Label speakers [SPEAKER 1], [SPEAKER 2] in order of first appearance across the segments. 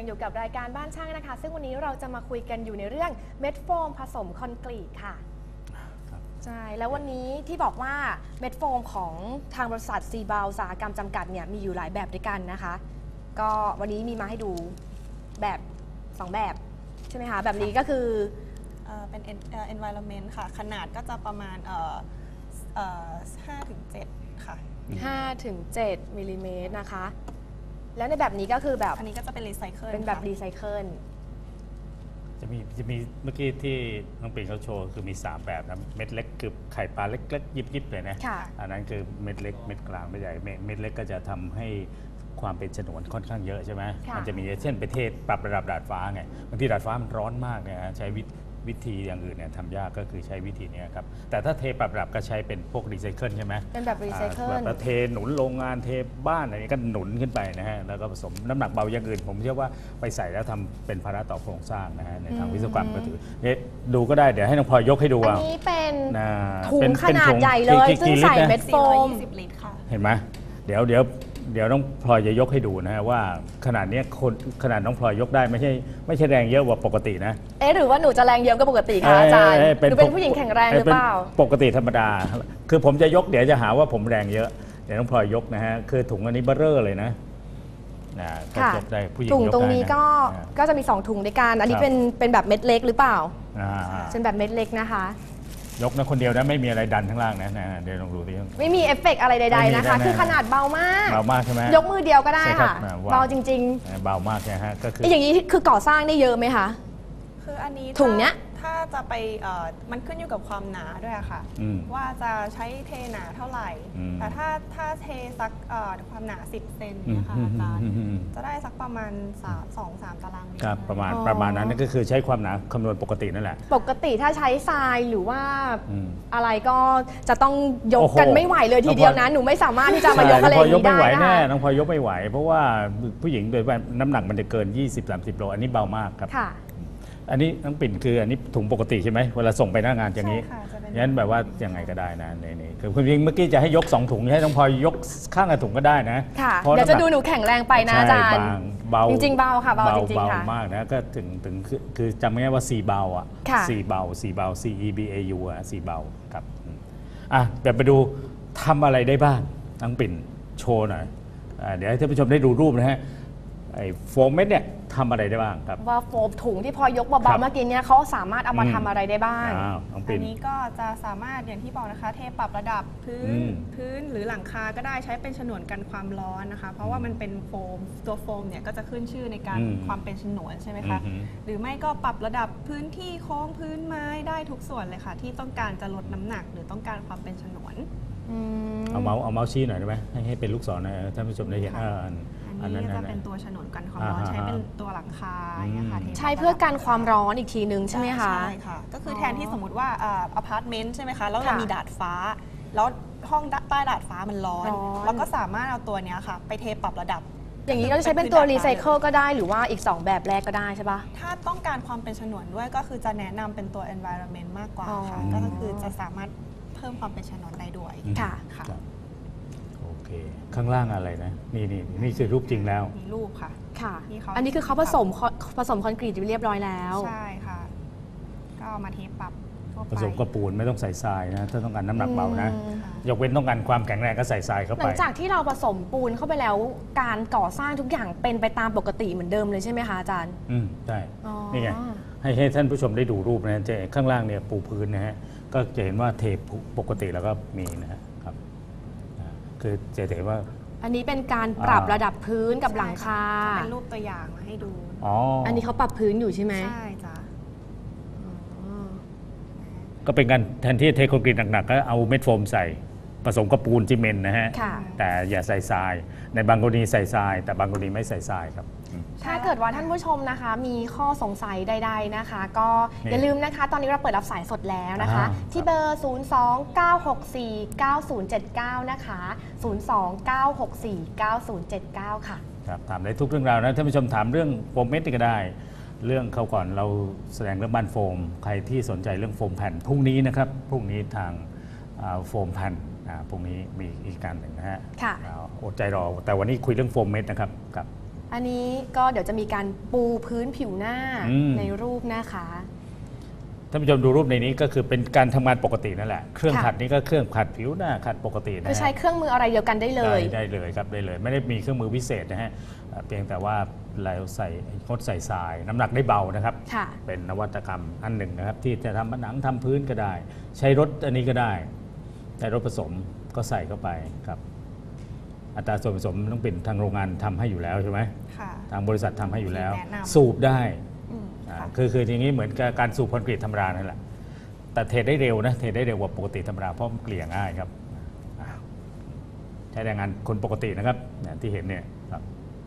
[SPEAKER 1] ยังอยู่กับรายการบ้านช่างนะคะซึ่งวันนี้เราจะมาคุยกันอยู่ในเรื่องเม็ดโฟมผสมคอนกรีตค่ะใช่แล้ววันนี้ที่บอกว่าเม็ดโฟมของทางบริษัทซีบาวอุตสาหกรรมจำกัดเนี่ยมีอยู่หลายแบบด้วยกันนะคะก็วันนี้มีมาให้ดูแบบ2แบบใช่ไหมคะแบบนี้ก็คือ
[SPEAKER 2] เป็น environment ค่ะขนาดก็จะประมาณ5-7 ค่ะ
[SPEAKER 1] 5-7 มิลลิเมตรนะคะแล้วในแบบนี้ก็คือแบบ
[SPEAKER 2] อันนี้ก็จะเป็นรีไซเคิล
[SPEAKER 1] เป็นแบบรีไซเคิล
[SPEAKER 3] จะมีเมื่อกี้ที่น้องปิ่นเขาโชว์คือมี3แบบนะเม็ดเล็กคือไข่ปลาเล็กๆยิบๆเลยนะอันนั้นคือเม็ดเล็กเม็ดกลางเม็ดใหญ่เม็ดเล็กก็จะทำให้ความเป็นฉนวนค่อนข้างเยอะใช่ไหมมันจะมีเช่นประเทศปรับระดับดาดฟ้าไงบางทีดาดฟ้ามันร้อนมากเนี่ยใช้วิธีอย่างอื่นเนี่ยทำยากก็คือใช้วิธีนี้ครับแต่ถ้าเทปรับระดับก็ใช้เป็นพวกรีไซเคิลใช่ไหม
[SPEAKER 1] เป็นแบบรีไซเคิล
[SPEAKER 3] แบบเทหนุนโรงงานเทบ้านอะไรนี้ก็หนุนขึ้นไปนะฮะแล้วก็ผสมน้ำหนักเบาอย่างอื่นผมเชื่อว่าไปใส่แล้วทำเป็นภาระต่อโครงสร้างนะฮะในทางวิศวกรรมก็ถือดูก็ได้เดี๋ยวให้น้องพลอยยกให้ดู
[SPEAKER 1] อันนี้เป็นถุงขนาดใหญ่เลยซึ่งใส่เม็ดโฟม
[SPEAKER 2] 420 ลิตรค่ะ
[SPEAKER 3] เห็นไหมเดี๋ยวน้องพลอยจะยกให้ดูนะฮะว่าขนาดนี้ขนาดน้องพลอยยกได้ไม่ใช่แรงเยอะกว่าปกตินะ
[SPEAKER 1] หรือว่าหนูจะแรงเยอะกว่าปกติคะอาจารย์หนูเป็นผู้หญิงแข็งแรงหรือเปล่า
[SPEAKER 3] ปกติธรรมดาคือผมจะยกเดี๋ยวจะหาว่าผมแรงเยอะเดี๋ยวน้องพลอยยกนะฮะคือถุงอันนี้เบ้อเร่อเลยนะก็ยกได้ผู้หญิง
[SPEAKER 1] ถุงตรงนี้ก็จะมี2ถุงด้วยกันอันนี้เป็นแบบเม็ดเล็กหรือเปล่าเป็นแบบเม็ดเล็กนะคะ
[SPEAKER 3] ยกนะคนเดียวนะไม่มีอะไรดันข้างล่างนะเดี๋ยวลองดูดิ
[SPEAKER 1] ไม่มีเอฟเฟกต์อะไรใดๆนะคะคือขนาดเบามาก
[SPEAKER 3] ใช่ไหม
[SPEAKER 1] ยกมือเดียวก็ได้ค่ะเบาจริง
[SPEAKER 3] ๆเบามากนะฮะก็คือ
[SPEAKER 1] อย่างนี้คือก่อสร้างได้เยอะไหมคะ
[SPEAKER 2] คืออันนี้
[SPEAKER 1] ถุงเนี้ย
[SPEAKER 2] ถ้าจะไปมันขึ้นอยู่กับความหนาด้วยค่ะว่าจะใช้เทหนาเท่าไหร่แต่ถ้าเทสักความหนา10 เซนนะคะอาจารย์จะได้สักประมาณ2-3 ตารางเมตร
[SPEAKER 3] ครับประมาณนั้นก็คือใช้ความหนาคำนวณปกตินั่นแหละ
[SPEAKER 1] ปกติถ้าใช้ทรายหรือว่าอะไรก็จะต้องยกกันไม่ไหวเลยทีเดียวนะหนูไม่สามารถที่จะมายกอะไรอย่างนี้ได้
[SPEAKER 3] แน่น้องพลอยยกไม่ไหวเพราะว่าผู้หญิงโดยน้ำหนักมันจะเกิน 20-30 โลอันนี้เบามากครับอันนี้น้องปิ่นคืออันนี้ถุงปกติใช่ไหมเวลาส่งไปหน้างานอย่างนี้งั้นแบบว่ายังไงก็ได้นะนี่คือคุณพิงเมื่อกี้จะให้ยก2 ถุงให้น้องพลอยยกข้างละถุงก็ได้นะ
[SPEAKER 1] เดี๋ยวจะดูหนูแข็งแรงไปนะอาจารย์
[SPEAKER 3] เบา
[SPEAKER 1] จริงๆเบาค่ะเบาจริงๆค่ะ
[SPEAKER 3] เบามากนะก็ถึงคือจำง่ายว่า4เบาอ่ะ4เบาC E B A U อ่ะ4เบาครับเดี๋ยวไปดูทำอะไรได้บ้างน้องปิ่นโชว์หน่อยเดี๋ยวให้ท่านผู้ชมได้ดูรูปนะฮะไอ้โฟมเม็ดเนี่ยทำอะไรได้บ้างครับ
[SPEAKER 1] ว่าโฟมถุงที่พอยกเบาๆเมื่อกี้เนี่ยเขาสามารถเอามาทำอะไรได้บ้าง
[SPEAKER 2] อันนี้ก็จะสามารถอย่างที่บอกนะคะเทปรับระดับพื้นหรือหลังคาก็ได้ใช้เป็นฉนวนกันความร้อนนะคะเพราะว่ามันเป็นโฟมตัวโฟมเนี่ยก็จะขึ้นชื่อในการความเป็นฉนวนใช่ไหมคะหรือไม่ก็ปรับระดับพื้นที่โค้งพื้นไม้ได้ทุกส่วนเลยค่ะที่ต้องการจะลดน้ำหนักหรือต้องการความเป็นฉนวน
[SPEAKER 3] เอาเมาส์ชี้หน่อยได้ไหมให้เป็นลูกศรนะท่านผู้ชมได้เห็น
[SPEAKER 2] อันนี้จะเป็นตัวฉนวนกันความร้อนใช้เป็นตัวหลังคา
[SPEAKER 1] ใช้เพื่อกันความร้อนอีกทีนึงใช่ไหมคะ
[SPEAKER 2] ใช่ค่ะก็คือแทนที่สมมติว่าอพาร์ตเมนต์ใช่ไหมคะแล้วเรามีดาดฟ้าแล้วห้องใต้ดาดฟ้ามันร้อนเราก็สามารถเอาตัวนี้ค่ะไปเทปรับระดับ
[SPEAKER 1] อย่างนี้ก็จะใช้เป็นตัวรีไซเคิลก็ได้หรือว่าอีก2แบบแรกก็ได้ใช่ปะ
[SPEAKER 2] ถ้าต้องการความเป็นฉนวนด้วยก็คือจะแนะนำเป็นตัว environment มากกว่าค่ะก็คือจะสามารถเพิ่มความเป็นฉนวนได้ด้วย
[SPEAKER 1] ค่ะ
[SPEAKER 3] ข้างล่างอะไรนะนี่คือรูปจริงแล้ว
[SPEAKER 2] มีรูปค่ะ
[SPEAKER 1] อันนี้คือเขาผสมคอนกรีตเรียบร้อยแล้ว
[SPEAKER 2] ใช่ค่ะก็เอามาเทปรับ
[SPEAKER 3] ผสมกระปูนไม่ต้องใส่ทรายนะถ้าต้องการน้ำหนักเบานะยกเว้นต้องการความแข็งแรงก็ใส่ทรายเข้าไป
[SPEAKER 1] หลังจากที่เราผสมปูนเข้าไปแล้วการก่อสร้างทุกอย่างเป็นไปตามปกติเหมือนเดิมเลยใช่ไหมคะอาจารย์
[SPEAKER 3] ใช่นี่ไงให้ท่านผู้ชมได้ดูรูปนะจะข้างล่างเนี่ยปูพื้นนะฮะก็จะเห็นว่าเทปกติแล้วก็มีนะครับคือจะเห็นว่า
[SPEAKER 1] อันนี้เป็นการปรับระดับพื้นกับหลังคา
[SPEAKER 2] เป็นรูปตัวอย่างมาให้ดู
[SPEAKER 1] อันนี้เขาปรับพื้นอยู่ใช่ไหม
[SPEAKER 2] ใช่จ้ะ
[SPEAKER 3] ก็เป็นการแทนที่เทคอนกรีตหนักๆก็เอาเม็ดโฟมใส่ผสมกับปูนซีเมนต์นะฮะแต่อย่าใส่ทรายในบางกรณีใส่ทรายแต่บางกรณีไม่ใส่ทรายครับ
[SPEAKER 1] ถ้าเกิดว่าท่านผู้ชมนะคะมีข้อสงสัยใดๆนะคะก็อย่าลืมนะคะตอนนี้เราเปิดรับสายสดแล้วนะคะที่เบอร์ 029649079 นะคะ029649079 ค่ะ
[SPEAKER 3] ครับถามได้ทุกเรื่องราวนะท่านผู้ชมถามเรื่องโฟมเม็ดก็ได้เรื่องเขาก่อนเราแสดงเรื่องบ้านโฟมใครที่สนใจเรื่องโฟมแผ่นพรุ่งนี้นะครับพรุ่งนี้ทางโฟมแผ่นพรุ่งนี้มีอีกการหนึ่งนะฮะอดใจรอแต่วันนี้คุยเรื่องโฟมเม็ดนะครับ
[SPEAKER 1] อันนี้ก็เดี๋ยวจะมีการปูพื้นผิวหน้าในรูปนะคะ
[SPEAKER 3] ท่านผู้ชมดูรูปในนี้ก็คือเป็นการทำงานปกตินั่นแหละเครื่องขัดนี้ก็เครื่องขัดผิวหน้าขัดปกตินะ
[SPEAKER 1] คือใช้เครื่องมืออะไรเดียวกันได้เลย
[SPEAKER 3] ได้เลยครับได้เลยไม่ได้มีเครื่องมือพิเศษนะฮะเพียงแต่ว่าเราใส่งดใส่ทรายน้ำหนักได้เบานะครับเป็นนวัตกรรมอันหนึ่งนะครับที่จะทำผนังทำพื้นก็ได้ ใช้รถอันนี้ก็ได้ใช้รถผสมก็ใส่เข้าไปครับอัตราส่วนผสมต้องเป็นทางโรงงานทำให้อยู่แล้วใช่ไหมทางบริษัททำให้อยู่แล้วสูบได้คืออย่างนี้เหมือนกับการสูบคอนกรีตธรรมดานั่นแหละแต่เทได้เร็วนะเทได้เร็วกว่าปกติธรรมดาเพราะมันเกลี่ยง่ายครับใช้แรงงานคนปกตินะครับที่เห็นเนี่ยครับ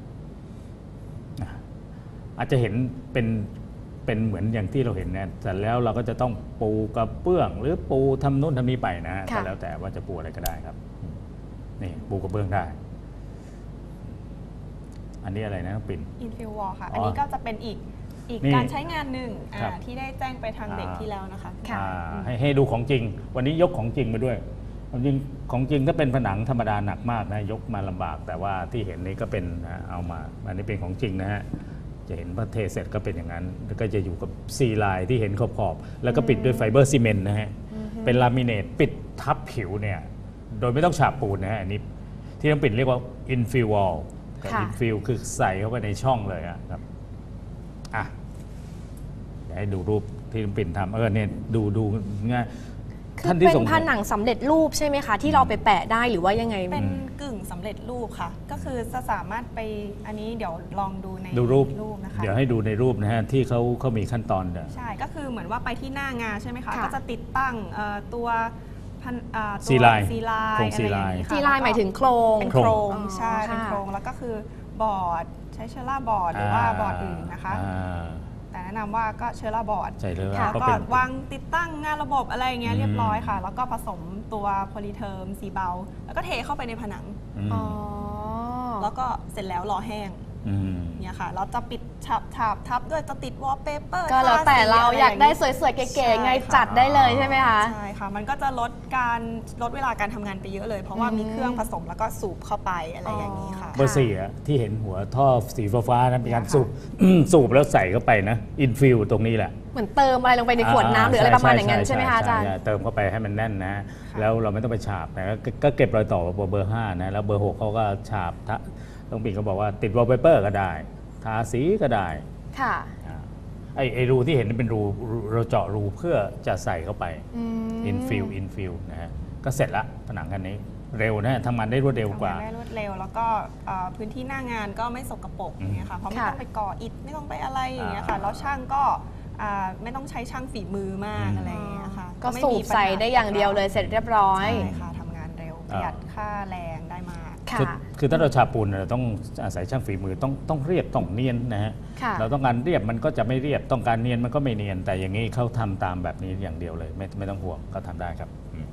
[SPEAKER 3] อาจจะเห็นเป็นเหมือนอย่างที่เราเห็นนะแต่แล้วเราก็จะต้องปูกระเบื้องหรือปูทำนู่นทำนี่ไปนะแต่แล้วแต่ว่าจะปูอะไรก็ได้ครับนี่ปูกระเบื้องได้อันนี้อะไรนะน้องปิ่น
[SPEAKER 2] อินฟิววอลค่ะอันนี้ก็จะเป็นอีกการใช้งานหนึ่งที่ได้แจ้งไปทางเด็กที่แล้วนะคะ
[SPEAKER 3] ให้ดูของจริงวันนี้ยกของจริงมาด้วยของจริงถ้าเป็นผนังธรรมดาหนักมากนะยกมาลำบากแต่ว่าที่เห็นนี้ก็เป็นเอามาอันนี้เป็นของจริงนะฮะจะเห็นพอเทเสร็จก็เป็นอย่างนั้นแล้วก็จะอยู่กับซีไลน์ที่เห็นขอบๆแล้วก็ปิดด้วยไฟเบอร์ซีเมนต์นะฮะเป็นลามิเนตปิดทับผิวเนี่ยโดยไม่ต้องฉาบปูนนะฮะอันนี้ที่ต้องปิดเรียกว่าอินฟิววอลอินฟิวคือใส่เข้าไปในช่องเลยครับเดี๋ยวให้ดูรูปที่น้องปิ่นทำเนี่ยดูง่าย
[SPEAKER 1] คือเป็นผนังสำเร็จรูปใช่ไหมคะที่เราไปแปะได้หรือว่ายังไง
[SPEAKER 2] เป็นกึ่งสำเร็จรูปค่ะก็คือจะสามารถไปอันนี้เดี๋ยวลองดูใน
[SPEAKER 3] รูป
[SPEAKER 2] นะคะ
[SPEAKER 3] เดี๋ยวให้ดูในรูปนะฮะที่เขามีขั้นตอน
[SPEAKER 2] ใช่ก็คือเหมือนว่าไปที่หน้างานใช่ไหมคะก็จะติดตั้งตัว
[SPEAKER 3] ซีไลน์
[SPEAKER 2] ซีไล
[SPEAKER 1] น์หมายถึงโครง
[SPEAKER 2] เป็นโครงใช่เป็นโครงแล้วก็คือบอร์ดใช้เชล่าบอร์ดหรือว่าบอร์ดอื่นนะคะแต่แนะนำว่าก็เชล่าบอร์ดแล้วก็วางติดตั้งงานระบบอะไรเงี้ยเรียบร้อยค่ะแล้วก็ผสมตัวโพลีเทอร์มสีเบาแล้วก็เทเข้าไปในผนังแล้วก็เสร็จแล้วรอแห้งเนี่ยค่ะเราจะปิดทับด้วยจะติดวอลเปเปอร์
[SPEAKER 1] ก็แล้วแต่เราอยากได้สวยๆเก๋ๆไงจัดได้เลยใช่ไหมคะ
[SPEAKER 2] ใช่ค่ะมันก็จะลดเวลาการทำงานไปเยอะเลยเพราะว่ามีเครื่องผสมแล้วก็สูบเข้าไปอะไรอย่างนี้ค่ะ
[SPEAKER 3] เบอร์สี่ที่เห็นหัวท่อสีฟ้าๆนั้นเป็นการสูบแล้วใส่เข้าไปนะอินฟิลตรงนี้แหละ
[SPEAKER 1] เหมือนเติมอะไรลงไปในขวดน้ำหรืออะไรประมาณอย่างนั้นใช่ไหมคะอาจารย์
[SPEAKER 3] เติมเข้าไปให้มันแน่นนะแล้วเราไม่ต้องไปฉาบนะก็เก็บรอยต่อเบอร์5นะแล้วเบอร์6เขาก็ฉาบต้องปิ่นเขาบอกว่าติดวอลเปเปอร์ก็ได้ทาสีก็ได้
[SPEAKER 1] ค่ะ
[SPEAKER 3] ไอรูที่เห็นเป็นรูเราเจาะรูเพื่อจะใส่เข้าไปอินฟิลนะฮะก็เสร็จละผนังคันนี้เร็วนะทำงานได้รวดเร็วกว่า
[SPEAKER 2] ได้รวดเร็วแล้วก็พื้นที่หน้างานก็ไม่สกปรกอย่างเงี้ยค่ะเพราะไม่ต้องไปก่ออิฐไม่ต้องไปอะไรอย่างเงี้ยค่ะแล้วช่างก็ไม่ต้องใช้ช่างฝีมือมากอะไรอย่างเงี้ยค่ะ
[SPEAKER 1] ก็สูบใส่ได้อย่างเดียวเลยเสร็จเรียบร้อย
[SPEAKER 2] ใช่ค่ะทำงานเร็วประหยัดค่าแรงได้มาก
[SPEAKER 3] คือถ้าเราฉาบปูนเราต้องอาศัยช่างฝีมือต้องเรียบต้องเนียนนะฮะเราต้องการเรียบมันก็จะไม่เรียบต้องการเนียนมันก็ไม่เนียนแต่อย่างนี้เขาทำตามแบบนี้อย่างเดียวเลยไม่ต้องห่วงก็ทำได้ครับ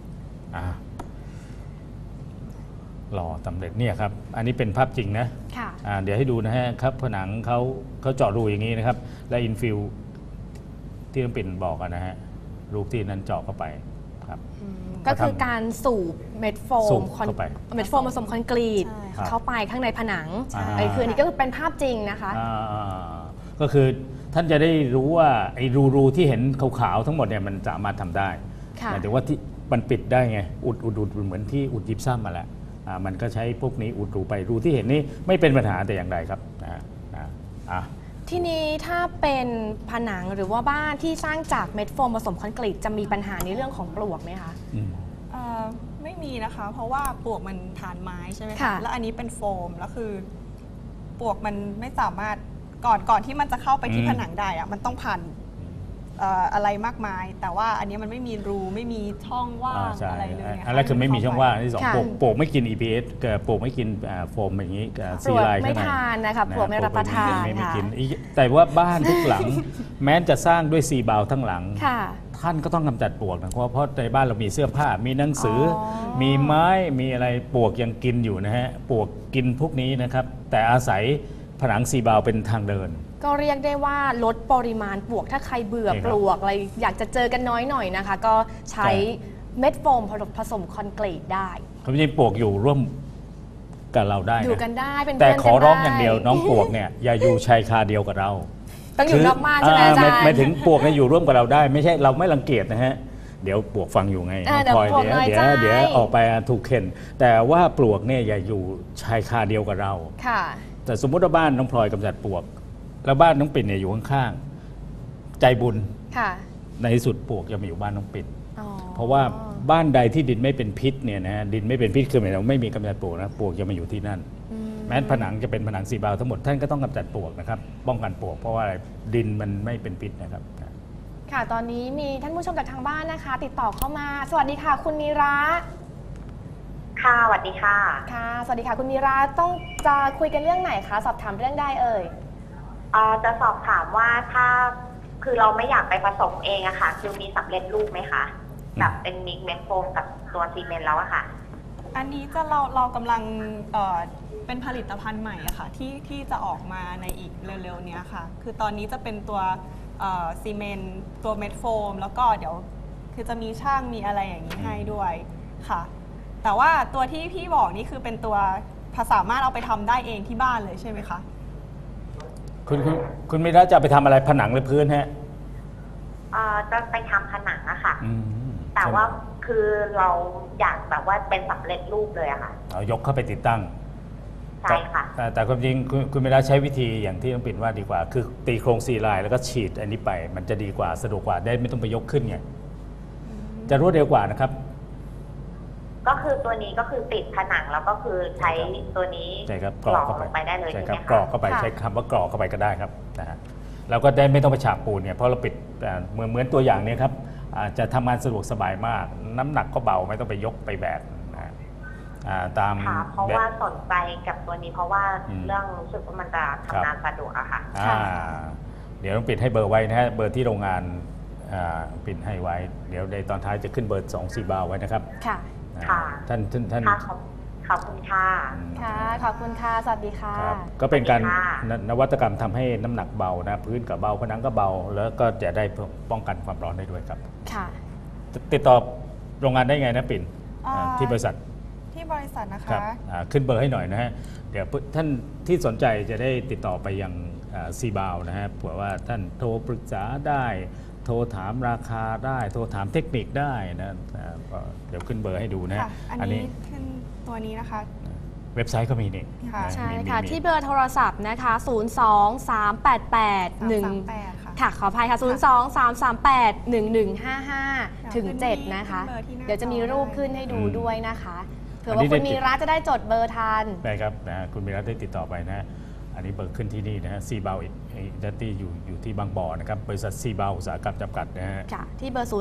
[SPEAKER 3] หล่อสำเร็จเนี่ยครับอันนี้เป็นภาพจริงนะเดี๋ยวให้ดูนะฮะครับผนังเขาเจาะรูอย่างนี้นะครับและอินฟิลที่น้องปิ่นบอกนะฮะรูที่นั้นเจาะเข้าไปครับ
[SPEAKER 1] ก็คือการสูบเม็ดโฟมเม็ดโฟมผสมคอนกรีตเข้าไปข้างในผนังคืออันนี้ก็คือเป็นภาพจริงนะคะ
[SPEAKER 3] ก็คือท่านจะได้รู้ว่าไอ้รูที่เห็นขาวๆทั้งหมดเนี่ยมันสามารถทำได้หมายถึงว่าที่มันปิดได้ไงอุดเหมือนที่อุดยิบซ้ำมาแล้วมันก็ใช้พวกนี้อุดรูไปรูที่เห็นนี้ไม่เป็นปัญหาแต่อย่างใดครับ
[SPEAKER 1] ทีนี้ถ้าเป็นผนังหรือว่าบ้านที่สร้างจากเม็ดโฟมผสมคอนกรีตจะมีปัญหาในเรื่องของปลวกไหมคะ
[SPEAKER 2] ไม่มีนะคะเพราะว่าปลวกมันฐานไม้ใช่ไหมคะแล้วอันนี้เป็นโฟมแล้วคือปลวกมันไม่สามารถก่อนที่มันจะเข้าไปที่ผนังได้มันต้องผ่านอะไรมากมายแต่ว่าอันนี้มันไม่มีรูไม่มีช่องว่างอะไรเลย
[SPEAKER 3] อันแรกคือไม่มีช่องว่างที่2ปลวกไม่กิน EPS ปลวกไม่กินโฟมอย่างนี้
[SPEAKER 1] ซีไลน์ไม่ทานนะคะปลวกไม่รับประทาน
[SPEAKER 3] ไม่กินแต่ว่าบ้านทุกหลังแม้จะสร้างด้วยซีบาวทั้งหลังท่านก็ต้องกำจัดปลวกนะเพราะในบ้านเรามีเสื้อผ้ามีหนังสือมีไม้มีอะไรปลวกยังกินอยู่นะฮะปลวกกินพวกนี้นะครับแต่อาศัยผนังซีบาวเป็นทางเดิน
[SPEAKER 1] ก็เรียกได้ว่าลดปริมาณปลวกถ้าใครเบื่อปลวกอะไรอยากจะเจอกันน้อยหน่อยนะคะก็ใช้เม็ดโฟมผสมคอนกรีตได้
[SPEAKER 3] เขาไม่ใช่ปลวกอยู่ร่วมกับเราได้
[SPEAKER 1] อยู่
[SPEAKER 3] นะ
[SPEAKER 1] กันได้เป็น
[SPEAKER 3] แต่
[SPEAKER 1] เพื่อน
[SPEAKER 3] ขอร้อง
[SPEAKER 1] กันได้
[SPEAKER 3] อย่างเดียวน้องปวกเนี่ยอย่าอยู่ชายคาเดียวกับเรา
[SPEAKER 1] ต้องอยู่นอกบ้านใช่ไหมอาจารย์
[SPEAKER 3] ไม่ถึงปวกเนี่ยอยู่ร่วมกับเราได้ ไม่ใช่เราไม่รังเกียจนะฮะเดี๋ยวปวกฟังอยู่ไง
[SPEAKER 1] เดี๋ยว
[SPEAKER 3] พลอย
[SPEAKER 1] ปวกน้อยใจ
[SPEAKER 3] เดี๋ยวออกไปถูกเข็นแต่ว่าปลวกเนี่ยอย่าอยู่ชายคาเดียวกับเรา
[SPEAKER 1] ค่ะ
[SPEAKER 3] แต่สมมติว่าบ้านน้องพลอยกำจัดปลวก แล้วบ้านน้องปิ่นเนี่ยอยู่ข้างๆใจบุญ
[SPEAKER 1] ค่ะ
[SPEAKER 3] ในที่สุดปลวกจะมาอยู่บ้านน้องปิ่น
[SPEAKER 1] อ๋อ
[SPEAKER 3] เพราะว่าบ้านใดที่ดินไม่เป็นพิษเนี่ยนะดินไม่เป็นพิษคือหมายถึงไม่มีกำจัดปลวกนะปลวกจะมาอยู่ที่นั่น แม้ผนังจะเป็นผนังซีบาวทั้งหมดท่านก็ต้องกำจัดปลวกนะครับป้องกันปลวกเพราะว่าอะไรดินมันไม่เป็นพิษนะครับ
[SPEAKER 1] ค่ะตอนนี้มีท่านผู้ชมจากทางบ้านนะคะ ติดต่อเข้ามาสวัสดีค่ะ คุณนีระ
[SPEAKER 4] ค่ะสวัสดีค่ะ
[SPEAKER 1] ค่ะสวัสดีค่ะคุณนีระต้องจะคุยกันเรื่องไหนคะสอบถามเรื่องใดเอ่ย
[SPEAKER 4] จะสอบถามว่าถ้าคือเราไม่อยากไปผสมเองอะค่ะ คือมีสำเร็จรูปไหมคะแบบเป็นมิกเม็ดโฟมกับตัวซีเมนต์แล้วอะค่ะ
[SPEAKER 2] อันนี้จะเรากำลังเป็นผลิตภัณฑ์ใหม่อะค่ะที่จะออกมาในอีกเร็วๆเนี้ยค่ะคือตอนนี้จะเป็นตัวซีเมนต์ตัวเม็ดโฟมแล้วก็เดี๋ยวคือจะมีช่างมีอะไรอย่างนี้ให้ด้วยค่ะแต่ว่าตัวที่พี่บอกนี่คือเป็นตัวสามารถเอาไปทำได้เองที่บ้านเลยใช่ไหมคะ
[SPEAKER 3] คุณไม่ได้จะไปทำอะไรผนังหรือพื้นฮะ
[SPEAKER 4] จะไปทำผนังอะค่ะ แต่ว่าคือเราอยากแบบว่าเป็นสำเร็จรูปเลยอะค่ะ
[SPEAKER 3] เอายกเข้าไปติดตั้ง
[SPEAKER 4] ใช่ค่ะ
[SPEAKER 3] แต่ความจริงคุณไม่ได้ใช้วิธีอย่างที่น้องปิ่นว่าดีกว่า คือตีโครงซีไลน์แล้วก็ฉีดอันนี้ไป มันจะดีกว่าสะดวกกว่าได้ไม่ต้องไปยกขึ้นไงจะรวดเร็วกว่านะครับ
[SPEAKER 4] ก็คือตัวนี้ก็คือติดผนังแล้วก็คือใช้ตัวนี้
[SPEAKER 3] ใช่ครับ
[SPEAKER 4] กรอกลงไปได้เลย
[SPEAKER 3] ใช่
[SPEAKER 4] ใช่
[SPEAKER 3] ค
[SPEAKER 4] ไห
[SPEAKER 3] รั
[SPEAKER 4] ม
[SPEAKER 3] บ
[SPEAKER 4] คะ
[SPEAKER 3] กรอกเข้าไปใช้คำว่ากรอกเข้าไปก็ได้ครับนะฮะเราก็ได้ไม่ต้องไปฉาบปูนเนี่ยเพราะเราปิดเหมือนตัวอย่างนี้ครับจะทำงานสะดวกสบายมาก น้ำหนักก็เบาไม่ต้องไปยกไปแบกนะตาม
[SPEAKER 4] ค่ะเพราะว่าสนใจกับตัวนี้เพราะว่าเรื่องรู้สึกว่ามันจะทำงานสะดวกอะค่ะ
[SPEAKER 3] เดี๋ยวต้องปิดให้เบอร์ไว้นะฮะเบอร์ที่โรงงานปิดให้ไว้เดี๋ยวในตอนท้ายจะขึ้นเบอร์2 4 บาทไว้นะครับ
[SPEAKER 1] ค่ะ
[SPEAKER 3] ท่าน
[SPEAKER 4] ค่ะขอบคุณค่ะ
[SPEAKER 1] ค่ะขอบคุณค่ะสวัสดีค่ะ
[SPEAKER 3] ครับก็เป็นการ
[SPEAKER 4] สวัสดีค่ะ
[SPEAKER 3] นวัตกรรมทำให้น้ำหนักเบานะพื้นก็เบาผนังก็เบา แล้วก็จะได้ป้องกันความร้อนได้ด้วยครับ
[SPEAKER 1] ค่ะ
[SPEAKER 3] ติดต่อโรงงานได้ไงนะปิ่น ที่บริษัท
[SPEAKER 2] ที่บริษัทนะ
[SPEAKER 3] ครั
[SPEAKER 2] คะ
[SPEAKER 3] บขึ้นเบอร์ให้หน่อยนะฮะเดี๋ยวท่านที่สนใจจะได้ติดต่อไปยังซีบาวนะฮะเผื่อว่าท่านโทรปรึกษาได้ โทรถามราคาได้ โทรถามเทคนิคได้นะก็เดี๋ยวขึ้นเบอร์ให้ดูนะ
[SPEAKER 2] ค่ะ อันนี้ขึ้นตัวนี้นะคะ
[SPEAKER 3] เว็บไซต์ก็มีนี่
[SPEAKER 2] ค่ะ
[SPEAKER 3] นะ
[SPEAKER 1] ใช่
[SPEAKER 3] มี
[SPEAKER 1] ค่ะ
[SPEAKER 3] มี
[SPEAKER 1] ที่เบอร์โทรศัพท์นะคะ 02388
[SPEAKER 2] ค่ะ
[SPEAKER 1] ค่ะขออภัยค่ะ 023381155 ถึง 7 นะคะ
[SPEAKER 2] ขึ้นเบอร์ที่หน้า
[SPEAKER 1] เดี๋ยวจะมีรูปขึ้นให้ดู
[SPEAKER 3] อืม
[SPEAKER 1] ด้วยนะคะเผื่อ
[SPEAKER 3] อัน
[SPEAKER 1] ว่า
[SPEAKER 3] นี้
[SPEAKER 1] คุณ
[SPEAKER 3] ได้
[SPEAKER 1] มีรัฐจะได้จดเบอร์ทัน
[SPEAKER 3] ได้ครับนะคุณมีรัฐได้ติดต่อไปนะฮะอันนี้เบอร์ขึ้นที่นี่นะฮะซีบาวดัตตี้อยู่ที่บางบ่อนะครับบริษัทซีบาวอุตสาหกรรมจำกัดนะฮะ
[SPEAKER 1] ค่ะ ที่เบอร์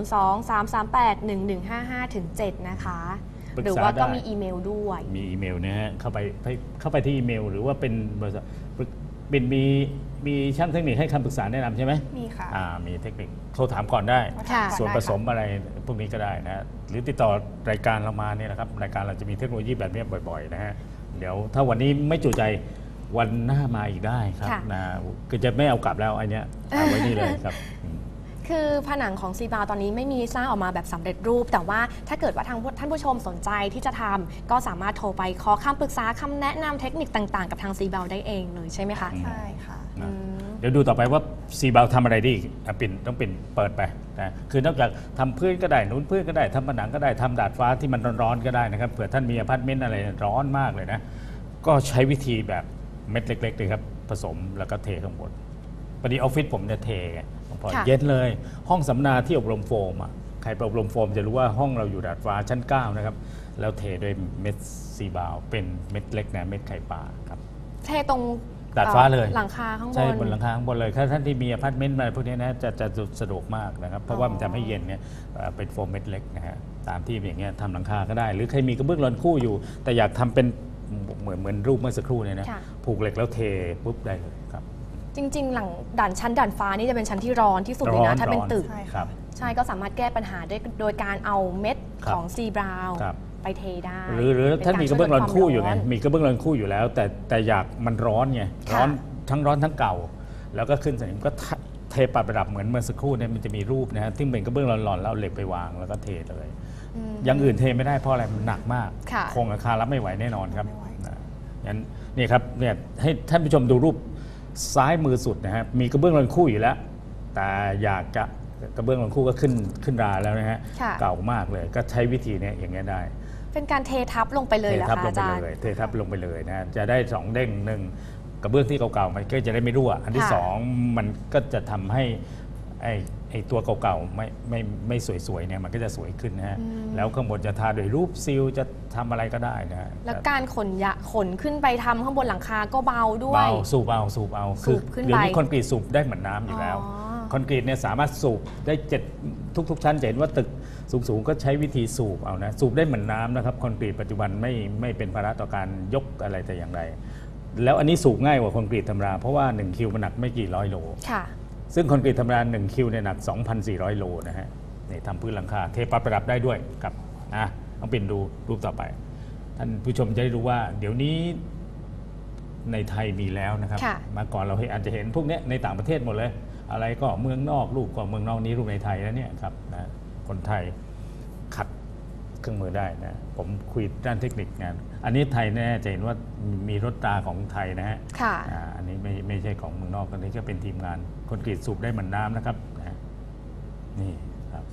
[SPEAKER 1] 023381155 ถึง 7 นะคะ
[SPEAKER 3] ปรึกษา
[SPEAKER 1] หรือว่าก็
[SPEAKER 3] ได้
[SPEAKER 1] มีอีเมลด้วย
[SPEAKER 3] มีอีเมลนะฮะเข้าไปที่อีเมล หรือว่าเป็นบริษัทเป็นมีช่างเทคนิคให้คำปรึกษาแนะนำใช่ไหม
[SPEAKER 2] มีค่ะ
[SPEAKER 3] มีเทคนิคโทรถามก่อนได้
[SPEAKER 1] ค่ะ
[SPEAKER 3] ส่วนผสมอะไรพวกนี้ก็ได้นะฮะหรือติดต่อรายการเรามาเนี่ยนะครับรายการเราจะมีเทคโนโลยีแบบนี้บ่อยๆนะฮะเดี๋ยวถ้าวันนี้ไม่จุใจวันหน้ามาอีกได้ครับ
[SPEAKER 1] ค่ะ
[SPEAKER 3] นะคือจะไม่เอากลับแล้วอันเนี้ยเอาไว้นี่เลยครับ
[SPEAKER 1] คือผนังของซีบาวตอนนี้ไม่มีสร้างออกมาแบบสำเร็จรูป แต่ว่าถ้าเกิดว่าท่านผู้ชมสนใจที่จะทำก็สามารถโทรไปขอคำปรึกษาคำแนะนำเทคนิคต่างๆ กับทางซีบาวได้เองเลยใช่ไหมคะ
[SPEAKER 2] ใช่ค่ะ
[SPEAKER 3] นะเดี๋ยวดูต่อไปว่าซีบาวทำอะไรได้อีกต้องปิ่นเปิดไปนะคือนอกจากทำพื้นก็ได้หนุนพื้นก็ได้ทำผนังก็ได้ทำดาดฟ้าที่มันร้อนๆก็ได้นะครับเผื่อท่านมีอพาร์ตเมนต์อะไรร้อนมากเลยนะก็ใช้วิธีแบบเม็ดเล็กๆเลยครับผสมแล้วก็เทข้างบนพอดีออฟฟิศผมจะเทไงพอ
[SPEAKER 1] ค่ะ
[SPEAKER 3] เย็นเลยห้องสัมมนาที่อบรมโฟมอ่ะใครไปอบรมโฟมจะรู้ว่าห้องเราอยู่ดาดฟ้าชั้น 9 นะครับแล้วเทด้วยเม็ดซีบาวเป็นเม็ดเล็กนะเม็ดไข่ปลาครับ
[SPEAKER 1] เทตรง
[SPEAKER 3] ดาดฟ้าเลย
[SPEAKER 1] หลังคาข้างบน
[SPEAKER 3] ใช่บนหลังคาข้างบนเลยถ้าท่านที่มีอพาร์ตเมนต์อะไรพวกนี้นะจะสะดวกมากนะครับเพราะว่ามันทำให้เย็นเนี่ยเป็นโฟมเม็ดเล็กนะฮะตามที่อย่างเงี้ยทำหลังคาก็ได้ หรือใครมีกระเบื้องรอนคู่อยู่ แต่อยากทำเป็นเหมือนรูปเมื่อสักครู่เนี่ยนะ
[SPEAKER 1] ค่ะ
[SPEAKER 3] ผูกเหล็กแล้วเทปุ๊บได้เลยครับ
[SPEAKER 1] จริง ๆ หลังด่านฟ้านี่จะเป็นชั้นที่ร้อนที่สุดเลยนะถ้าเป็นตึก
[SPEAKER 2] ใช่
[SPEAKER 3] ครั
[SPEAKER 2] ค่ะ
[SPEAKER 3] บ
[SPEAKER 1] ใช่ก็สามารถแก้ปัญหาได้โดยการเอาเม็ด
[SPEAKER 3] ครับ
[SPEAKER 1] ของซีบราว
[SPEAKER 3] ครับ
[SPEAKER 1] ไปเทได้
[SPEAKER 3] หรือ
[SPEAKER 1] ป็
[SPEAKER 3] ท่านมีกระเบื้องรอนคู่อยู่ไง
[SPEAKER 1] ารช่วลดวาม
[SPEAKER 3] มีกระเบื้องรอนคู่อยู่แล้ว แต่อยากมันร้อนไง
[SPEAKER 1] ค่ะ
[SPEAKER 3] ร้อนทั้งเก่า แล้วก็ขึ้นสนิมก็เทปรับระดับเหมือนเมื่อสักครู่เนี่ยมันจะมีรูปนะฮะที่เป็นกระเบื้องร้อนๆแล้วเอาเหล็กไปวางแล้วก็เทเลย
[SPEAKER 1] อืม
[SPEAKER 3] อย่างอื่นเทไม่ได้เพราะอะไรมันหนักมาก
[SPEAKER 1] ค่ะ
[SPEAKER 3] โครงอาคารรับไม่ไหวแน่นอนครับ
[SPEAKER 2] ไม่ไหว
[SPEAKER 3] นะงั้นนี่ครับเนี่ยให้ท่านผู้ชมดูรูปซ้ายมือสุดนะฮะมีกระเบื้องรอนคู่อยู่แล้วแต่อยากจะกระเบื้องรอนคู่ก็ขึ้นราแล้วนะฮะ
[SPEAKER 1] ค่ะ
[SPEAKER 3] เก่ามากเลยก็ใช้วิธีเนี้อย่างเงี้ยได้
[SPEAKER 1] เป็นการเททับลงไปเลยเหรอ
[SPEAKER 3] ทับ
[SPEAKER 1] คะ
[SPEAKER 3] ลง
[SPEAKER 1] อา
[SPEAKER 3] ไป
[SPEAKER 1] จารย์
[SPEAKER 3] เลยเททับลงไปเลยนะฮะจะได้2เด้งหนึ่งกระเบื้องที่เก่าๆมันก็จะได้ไม่รั่วอันที่
[SPEAKER 1] ค่ะ
[SPEAKER 3] สองมันก็จะทำให้ไอ้ตัวเก่าๆไม่สวยๆเนี่ยมันก็จะสวยขึ้นนะฮะแล้วข้างบนจะทาด้วยรูปซีลจะทำอะไรก็ได้นะฮะ
[SPEAKER 1] แล้วการขนขึ้นไปทำข้างบนหลังคาก็เบาด้วย
[SPEAKER 3] เบาสูบเอา
[SPEAKER 1] สูบขึ้นไป
[SPEAKER 3] เดี๋ยวนี้คอนกรีตสูบได้เหมือนน้ำอยู่แล้ว คอนกรีตเนี่ยสามารถสูบได้ทุกชั้นจะเห็นว่าตึกสูงๆก็ใช้วิธีสูบเอานะสูบได้เหมือนน้ำนะครับคอนกรีตปัจจุบันไม่เป็นภาระต่อการยกอะไรแต่อย่างใดแล้วอันนี้สูบง่ายกว่าคอนกรีตธรรมดาเพราะว่า1คิวมันหนักไม่กี่ร้อยโล
[SPEAKER 1] ค่ะ
[SPEAKER 3] ซึ่งคอนกรีตธรรมดา1คิวเนี่ยหนัก 2,400 โลนะฮะนี่ทำพื้นหลังคาเทปรับประดับได้ด้วยกับต้องเป็นดูรูปต่อไปท่านผู้ชมจะได้รู้ว่าเดี๋ยวนี้ในไทยมีแล้วนะครับ
[SPEAKER 1] ค่ะ
[SPEAKER 3] มาก่อนเราอาจจะเห็นพวกนี้ในต่างประเทศหมดเลย อะไรก็เมืองนอกรูปก็เมืองนอกนี้รูปในไทยแล้วเนี่ยครับนะคนไทยขัดเครื่องมือได้นะผมคุยด้านเทคนิคงานอันนี้ไทยแน่จะเห็นว่ามีรถตาของไทยนะฮะ
[SPEAKER 1] ค่ะ
[SPEAKER 3] อันนี้ไม่ใช่ของเมืองนอกอันนี้ก็เป็นทีมงานคอนกรีตสูบได้เหมือนน้ำนะครับนะนี่ครับ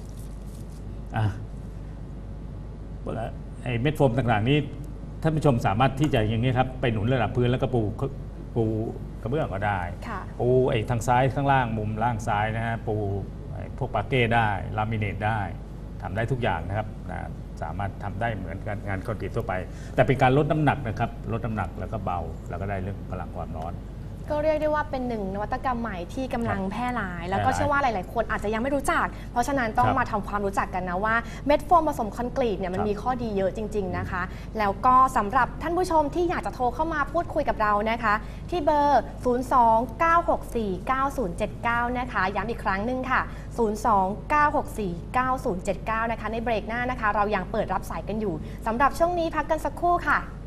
[SPEAKER 3] ไอ้เม็ดโฟมต่างๆนี้ท่านผู้ชมสามารถที่จะอย่างนี้ครับไปหนุนระดับพื้นแล้วก็ปูกระเบื้องก็ได้
[SPEAKER 1] ค่ะ
[SPEAKER 3] ปูไอ้ทางซ้ายข้างล่างมุมล่างซ้ายนะฮะปูพวกปาเก้ได้ลามิเนตได้ทำได้ทุกอย่างนะครับนะสามารถทำได้เหมือนกันงานคอนกรีตทั่วไป แต่เป็นการลดน้ำหนักนะครับลดน้ำหนักแล้วก็เบาแล้วก็ได้เรื่องพลังความร้อน
[SPEAKER 1] ก็เรียกได้ว่าเป็นหนึ่งนวัตกรรมใหม่ที่กำลังแพร่หลาย แล้วก็เชื่อว่าหลาย ๆ คนอาจจะยังไม่รู้จัก เพราะฉะนั้นต้อง
[SPEAKER 3] ครับ
[SPEAKER 1] มาทำความรู้จักกันนะว่าเม็ดโฟมผสมคอนกรีตเนี่ยมัน
[SPEAKER 3] ครับ
[SPEAKER 1] มีข้อดีเยอะจริง ๆ นะคะ แล้วก็สำหรับท่านผู้ชมที่อยากจะโทรเข้ามาพูดคุยกับเรานะคะ ที่เบอร์ 029649079 นะคะย้ำอีกครั้งหนึ่งค่ะ 029649079 นะคะในเบรกหน้านะคะ เรายังเปิดรับสายกันอยู่สำหรับช่วงนี้พักกันสักครู่ค่ะ